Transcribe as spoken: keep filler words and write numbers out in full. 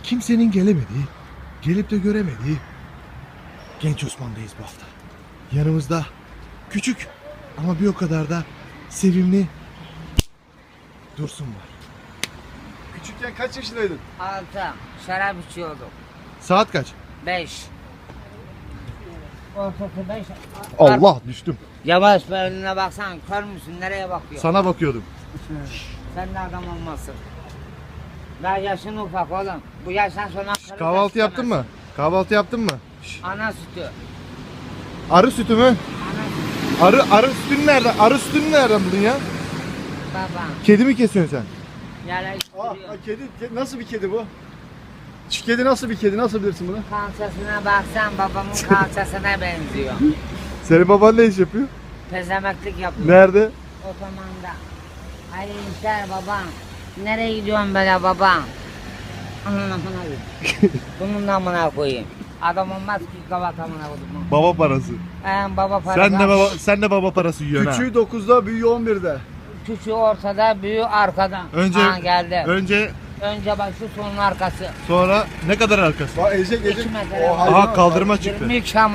kimsenin gelemediği, gelip de göremediği Genç Osman'dayız bu hafta. Yanımızda küçük ama bir o kadar da sevimli Dursun var. Küçükken kaç yaşındaydın? Altı. Şarap içiyordum. Saat kaç? Beş. Ortası beş. Allah düştüm. Yavaş be, önüne baksan, kör müsün? Nereye bakıyor? Sana bakıyordum. Sen de adam olmasın. Daha yaşın ufak oğlum. Bu yaştan sonra... karı Kahvaltı da yaptın mı? Kahvaltı yaptın mı? Ana sütü. Arı sütü mü? Ana sütü. Arı arı sütünü nereden? Arı sütünü nereden buldun ya? Baba. Kedi mi kesiyorsun sen? Ah, Yerleştiriyor. ah, kedi, ke- nasıl bir kedi bu? Şu kedi nasıl bir kedi? Nasıl bilirsin bunu? Kalçasına baksan babamın kalçasına benziyor. Senin baban ne iş yapıyor? Pezemeklik yapıyor. Nerede? Otomanda. Hayırlı işler babam. Nereye gidiyorsun böyle babam? Ananı amına koyayım. Bunun da amına koyayım. Adam olmaz ki kavat amına koyayım. Baba parası. Ee, baba parası. Sen de baba sen de baba parası yiyorsun ha. Küçüğü dokuzda, büyüğü on birde. Küçüğü ortada, büyüğü arkada. Önce Ha, geldi. önce Önce başı, sonun arkası. sonra ne kadar arkası? Bak ezecek ezecek. İki metre. O hayvan- Aha kaldırma çıktı. yirmi üç am-